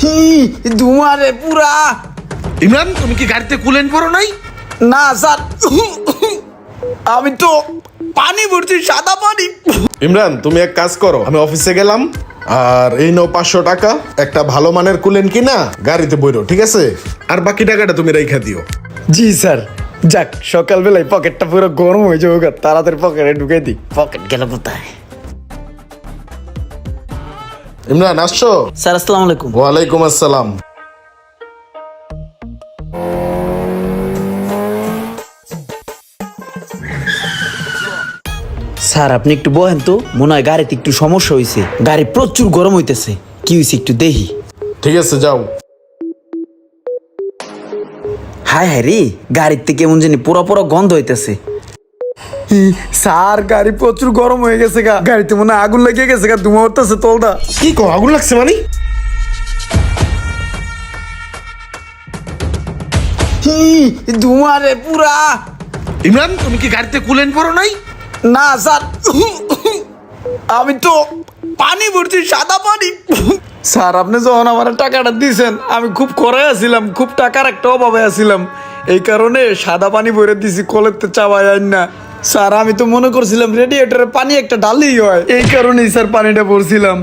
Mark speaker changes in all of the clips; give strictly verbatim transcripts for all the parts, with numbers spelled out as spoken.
Speaker 1: ধুমারে পুরা।
Speaker 2: ইমরান, তুমি কি গাড়িতে কুলেন্ট ভরো নাই?
Speaker 1: না স্যার, আমি তো পানি ভরছি, সাদা পানি।
Speaker 2: ইমরান, তুমি এক কাজ করো, আমি অফিসে গেলাম আর এই নাও পাঁচশো টাকা, একটা ভালো মানের কুলেন্ট কিনা গাড়িতে বইরো, ঠিক আছে? আর বাকি টাকাটা তুমি রেখা দিও।
Speaker 1: জি স্যার। যাক, সকালবেলায় পকেটটা পুরো গরম হয়ে যাবে, তাড়াতাড়ি পকেটে ঢুকে দিই। পকেট গেল কোথায়?
Speaker 2: ইমরান, আসছো?
Speaker 1: স্যার আসসালামু আলাইকুম।
Speaker 2: ওয়ালাইকুম আসসালাম।
Speaker 1: স্যার আপনি একটু বহেন তো, মনে হয় গাড়িতে একটু সমস্যা হয়েছে, গাড়ি প্রচুর গরম হইতেছে। কি হয়েছে একটু দেখি।
Speaker 2: ঠিক আছে, যাও।
Speaker 1: হায় হায় রে, গাড়িতে কেমন জানি পোড়া পোড়া গন্ধ হইতেছে। স্যার গাড়ি প্রচুর গরম হয়ে গেছে গা, গাড়িতে মনে হয় আগুন লেগে গেছে গা, ধুমা উঠতেছে তলদা।
Speaker 2: কি কো, আগুন লাগছে মানে?
Speaker 1: ধুমারে পুরা।
Speaker 2: ইমরান, তুমি কি গাড়িতে কুলেন্ট ভরো নাই?
Speaker 1: না স্যার, আমি তো পানি ভরছি, সাদা পানি। স্যার আপনি যখন আমার টাকাটা দিয়েছেন, আমি খুব করে আছিলাম, খুব টাকার একটা অভাবে আছিলাম, এই কারণে সাদা পানি ভরে দিছি, কলেতে চাওয়াই আইন না। স্যার আমি তো মনে করছিলাম রেডিয়েটরে পানি একটা ডালেই হয়, এই কারণেই স্যার পানিটা ভরছিলাম।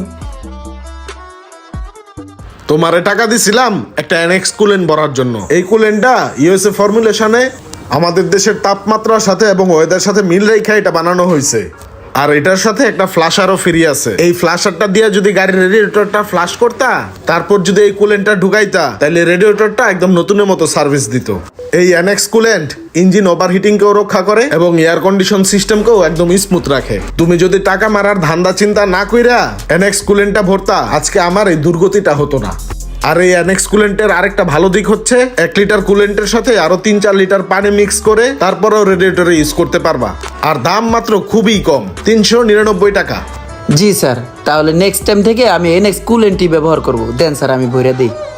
Speaker 2: তোমারে টাকা দিছিলাম একটা এনএক্স কুলেন্ট ভরার জন্য। এই কুলেন্টটা ইউএসএ ফর্মুলেশনে আমাদের দেশের তাপমাত্রার সাথে এবং ওয়েদার সাথে মিল রেখে এটা বানানো হয়েছে। আর এটার সাথে একটা ফ্লাশারও ফ্রি আছে। এই ফ্লাশারটা দিয়ে যদি গাড়ির রেডিয়েটরটা ফ্লাশ করতা, তারপর যদি এই কুলেন্টটা ঢুকাইতা, তাহলে রেডিয়েটরটা একদম নতুনের মতো সার্ভিস দিত। এই এনএক্স কুলেন্ট ইঞ্জিন ওভারহিটিং কেও রক্ষা করে এবং এয়ার কন্ডিশন সিস্টেমকেও একদম স্মুথ রাখে। তুমি যদি টাকা মারার ধান্দা চিন্তা না কইরা এনএক্স কুলেন্টটা ভরতা, আজকে আমার এই দুর্গতিটা হতো না। আর এই এনএক্স কুলেন্টের আরেকটা ভালো দিক হচ্ছে, এক লিটার কুলেন্টের সাথে আরো তিন চার লিটার পানি মিক্স করে তারপরেও রেডিয়েটরে ইউজ করতে পারবা। আর দাম মাত্র খুবই কম, তিনশো নিরানব্বই টাকা।
Speaker 1: জি স্যার, তাহলে নেক্সট টাইম থেকে আমি এনএক্স কুলেন্টই ব্যবহার করব। দেন স্যার, আমি ভরে দিই।